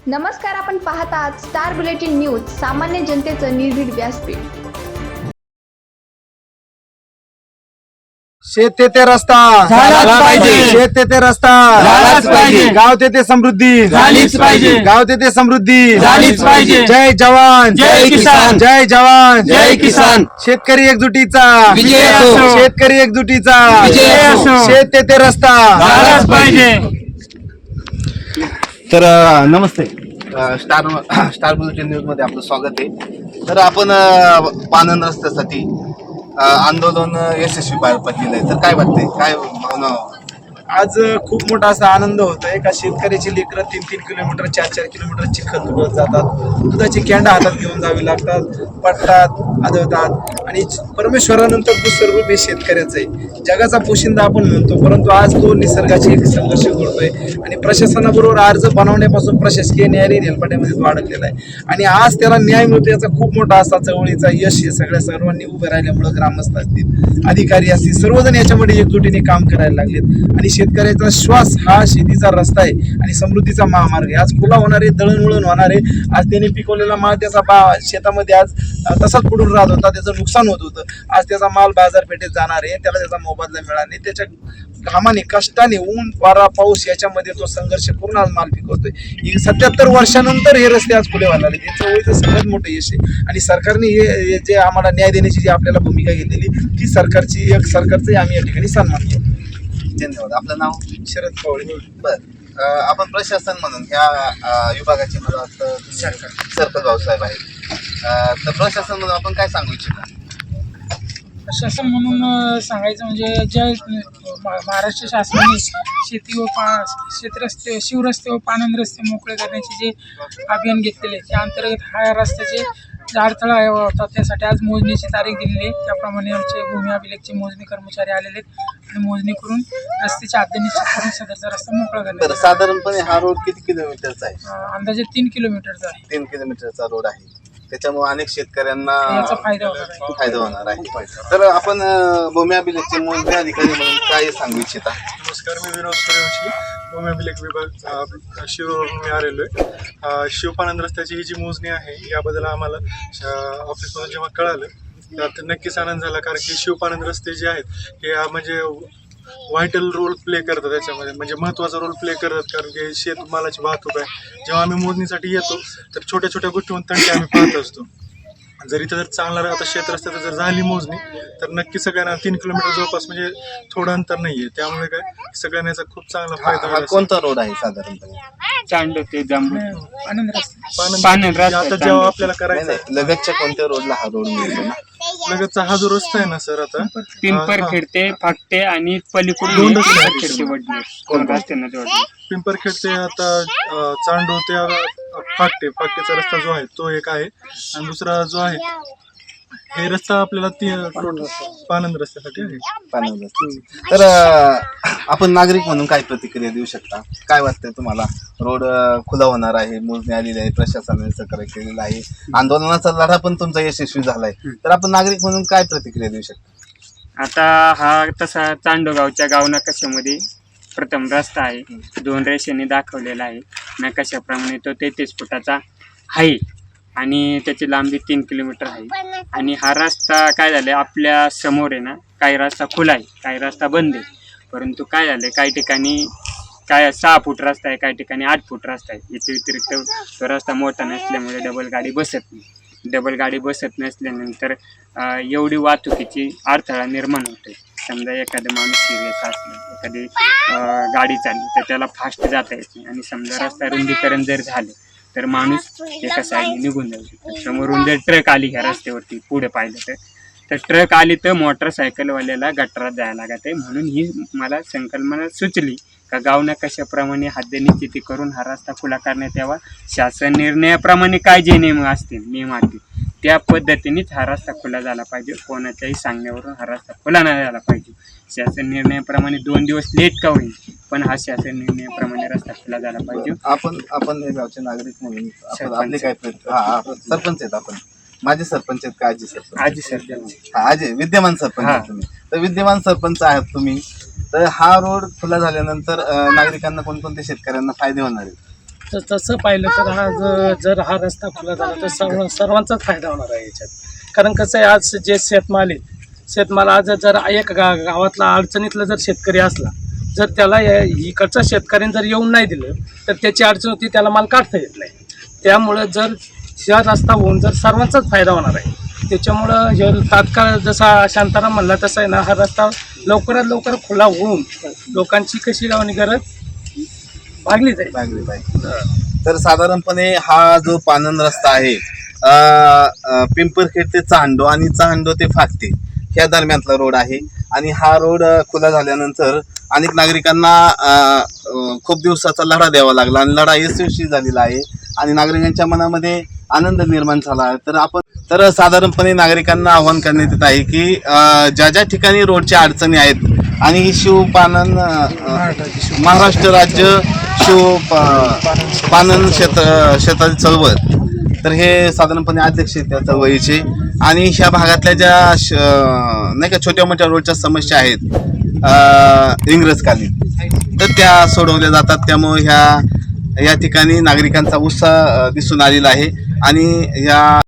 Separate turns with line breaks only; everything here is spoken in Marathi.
नमस्कार, आपण पाहत आहात स्टार बुलेटिन न्यूज, सामान्य जनतेचं निर्भीड व्यासपीठ.
शेत तेथे रस्ता
झालाच पाहिजे.
शेत तेथे रस्ता
झालाच पाहिजे.
गाव तेथे समृद्धी
झालीच पाहिजे.
गाव तेथे समृद्धी
झालीच पाहिजे.
जय जवान
जय किसान.
जय जवान
जय किसान.
शेतकरी एकजुटीचा
विजय असो.
शेतकरी एकजुटीचा
विजय असो.
शेत तेथे रस्ता
झालाच पाहिजे.
तर नमस्ते. स्टार बुलेटिन न्यूज मध्ये आपलं स्वागत आहे. तर आपण पानन रस्त्यासाठी आंदोलन यशस्वी पार पडलेलं आहे. तर काय वाटतंय, काय भावना?
आज खूप मोठा असा आनंद होतोय का शेतकऱ्याची लेकरं 3-3 किलोमीटर 4-4 किलोमीटर चिखल तुडत जातात, दुधाची कॅन्डा हातात घेऊन जावी लागतात, पडतात, आदळतात. आणि परमेश्वरानंतर दुसरं रूप हे शेतकऱ्याचं आहे. जगाचा पोशिंदा आपण म्हणतो, परंतु आज तो निसर्गाची एक संघर्ष करतोय. आणि प्रशासनाबरोबर अर्ज बनवण्यापासून प्रशासकीय न्यायालयीन हेलपाट्यामध्ये तो अडकलेला आहे. आणि आज त्याला न्याय मिळतो याचा खूप मोठा असा चळवळीचा यश हे सर्वांनी उभे राहिल्यामुळे ग्रामस्थ असतील, अधिकारी असतील, सर्वजण याच्यामध्ये एकजुटीने काम करायला लागलेत. आणि शेतकऱ्याचा श्वास हा शेतीचा रस्ता आहे आणि समृद्धीचा महामार्ग आहे. आज खुला होणारे, दळणवळण होणारे, आज त्याने पिकवलेला माल त्याचा शेतामध्ये आज तसाच पडून राहत होता, त्याचं नुकसान होत होतं. आज त्याचा माल बाजारपेठेत जाणार आहे, त्याला त्याचा मोबदला मिळाला नाही. त्याच्या घामाने, कष्टाने, ऊन, वारा, पाऊस याच्यामध्ये तो संघर्ष करून आज माल पिकवतोय. 77 वर्षानंतर हे रस्ते आज खुले व्हायला लागले. हे चळवळीचं सगळ्यात मोठं यश आहे. आणि सरकारने हे जे आम्हाला न्याय देण्याची जी आपल्याला भूमिका घेतलेली ती सरकारचे आम्ही या ठिकाणी सन्मान करतो.
धन्यवाद. आपलं नाव?
शरद पवार.
बर. आपण प्रशासन म्हणून ह्या विभागाचे मला वाटतं सरपंच भाऊसाहेब आहेत. तर प्रशासन म्हणून आपण काय सांगू इच्छिता?
शासन म्हणून सांगायचं म्हणजे ज्या महाराष्ट्र शासनाने शेती व शेतरस्ते, शिवरस्ते व पाणंद रस्ते मोकळे करण्याचे जे अभियान घेतलेले त्या अंतर्गत हा रस्त्याचे जे अडथळा होता त्यासाठी आज मोजणीची तारीख दिलेली आहे. त्याप्रमाणे आमचे भूमी अभिलेखचे मोजणी कर्मचारी आलेले आहेत आणि मोजणी करून रस्त्याची हद्द निश्चित करून सदरचा रस्ता मोकळा करण्यात
तर साधारणपणे हा रोड किती किलोमीटरचा आहे?
अंदाजे 3 किलोमीटरचा आहे.
3 किलोमीटरचा रोड आहे. त्याच्यामुळे अनेक शेतकऱ्यांना
याचा फायदा होणार आहे.
तर आपण भूमी अभिलेखचे मोजणी अधिकारी म्हणून काय सांगू इच्छिता?
नमस्कार, मी विनोद सूर्यवंशी, भूमी अभिलेख विभाग शिरूरवरून मी आलेलो आहे. शिवपानंद रस्त्याची ही जी मोजणी आहे याबद्दल आम्हाला ऑफिसमधून जेव्हा कळालं त्यात नक्कीच आनंद झाला. कारण की शिवपानंद रस्ते जे आहेत हे म्हणजे व्हायटल रोल प्ले करतात, त्याच्यामध्ये म्हणजे महत्त्वाचा रोल प्ले करतात. कारण की शेतमालाची वाहतूक आहे. जेव्हा आम्ही मोजणीसाठी येतो तर छोट्या छोट्या गोष्टींवर तंटे आम्ही पाहत असतो. जर इथं जर चांगला आता शेत रस्त्यात जर झाली मोजणी तर नक्की सगळ्यांना 3 किलोमीटर जवळपास म्हणजे थोडं अंतर नाहीये. त्यामुळे काय सगळ्यांना याचा खूप चांगला फायदा
हा
होईल.
कोणता रोड आहे साधारणपणे?
चांड ते जांभूळ
आनंद रस्ता
पानंद आता जेव्हा आपल्याला करायचं
नाही, लगतच्या कोणत्या रोडला हा रोड मिळतो ना?
लगतचा हा जो रस्ता आहे ना सर, आता
पिंपरखेड ते फाकटे आणि पलीकडून
दोन रस्ते आहेत.
पिंपरखेड ते वडनेर दोन रस्त्यांना जोडले.
पिंपरखेड ते आता चांडो ते फाकटेचा रस्ता जो आहे तो एक आहे. आणि दुसरा जो आहे हे रस्ता आपल्याला पानंद रस्त्यासाठी आहे.
पानंद रस्ता. तर आपण नागरिक म्हणून काय प्रतिक्रिया देऊ शकता? काय वाटतंय तुम्हाला? रोड खुला होणार आहे, मोजणी आलेली आहे, प्रशासनाने सहकार्य केलेलं आहे, आंदोलनाचा लढा पण तुमचा यशस्वी झालाय. तर आपण नागरिक म्हणून काय प्रतिक्रिया देऊ शकता?
आता हा तसा चांडोगावच्या गाव नकाशामध्ये प्रथम रस्ता आहे, 2 रेषेने दाखवलेला आहे. नकाशाप्रमाणे तो 33 फुटाचा आहे आणि त्याची लांबी 3 किलोमीटर आहे. आणि हा रस्ता काय झालं, आपल्या समोर आहे ना, काही रस्ता खुला आहे, काही रस्ता बंद आहे. परंतु काय झालं, काही ठिकाणी 6 फूट रस्ता आहे, काही ठिकाणी 8 फूट रस्ता आहे. याच्या व्यतिरिक्त तो रस्ता मोठा नसल्यामुळे डबल गाडी बसत नाही. डबल गाडी बसत नसल्यानंतर एवढी वाहतुकीची अडथळा निर्माण होते. समजा एखादा माणूस सिरियस असला, एखादी गाडी चालली तर त्याला फास्ट जाता येत नाही. आणि समजा रस्ता रुंदीकरण जर झालं तर माणूस एका साईडने निघून जाऊ शकतो. समोरून जर ट्रक आली ह्या रस्त्यावरती पुढे पाहिलं तर ट्रक आली तर मोटरसायकलवाल्याला गटारात जायला लागत आहे. म्हणून ही मला संकल्पना सुचली का गाव नकाशाप्रमाणे हद्द निश्चिती करून हा रस्ता खुला करण्यात यावा. शासन निर्णयाप्रमाणे काय जे नियम असतील त्या पद्धतीनेच हा रस्ता खुला झाला पाहिजे. कोणाच्याही सांगण्यावरून हा रस्ता खुला नाही झाला पाहिजे. शासन निर्णयाप्रमाणे 2 दिवस लेट का होईल पण हा शासन निर्णयाप्रमाणे रस्ता खुला झाला पाहिजे.
आपण हे गावचे नागरिक म्हणून आपले काय सरपंच आहेत आपण? माझे सरपंच आहेत का आजी सरपंच?
आजी सरपंच.
आजी विद्यमान सरपंच आहेत तुम्ही. तर विद्यमान सरपंच आहात तुम्ही. तर हा रोड खुला झाल्यानंतर नागरिकांना कोणकोणत्या शेतकऱ्यांना फायदे होणार आहेत?
तर तसं पाहिलं तर जर हा रस्ता खुला झाला तर सर्वांचाच फायदा होणार आहे याच्यात. कारण कसं आहे, आज जे शेतमाल आज जर एक गावातला अडचणीतला जर शेतकरी असला, जर त्याला इकडच्या शेतकऱ्यांनी जर येऊन नाही दिलं तर त्याची अडचण होती, त्याला माल काढता येत नाही. त्यामुळं जर हा रस्ता होऊन जर सर्वांचाच फायदा होणार आहे. त्याच्यामुळं हे तात्काळ जसा शांताराम म्हणला तसा आहे ना, हा रस्ता लवकरात लवकर खुला होऊन लोकांची कशी गावणी गरज भागली जाईल.
तर साधारणपणे हा जो पानंद रस्ता आहे पिंपरखेड ते चांडो आणि चांडो ते फाकते ह्या दरम्यानचा रोड आहे. आणि हा रोड खुला झाल्यानंतर अनेक नागरिकांना खूप दिवसाचा लढा द्यावा लागला आणि लढा यशस्वी झालेला आहे आणि नागरिकांच्या मनामध्ये आनंद निर्माण झाला आहे. तर साधारणपणे नागरिकांना आवाहन करण्यात येत आहे की ज्या ज्या ठिकाणी रोडच्या अडचणी आहेत आणि ही शिवपानन महाराष्ट्र राज्य पानन शेताची चळवळ, तर हे साधारणपणे अध्यक्ष आहेत त्या चळवळीचे. आणि ह्या भागातल्या ज्या नाही का छोट्या मोठ्या रोडच्या समस्या आहेत इंग्रजकालीन, तर त्या सोडवल्या जातात. त्यामुळे या ठिकाणी नागरिकांचा उत्साह दिसून आलेला आहे आणि या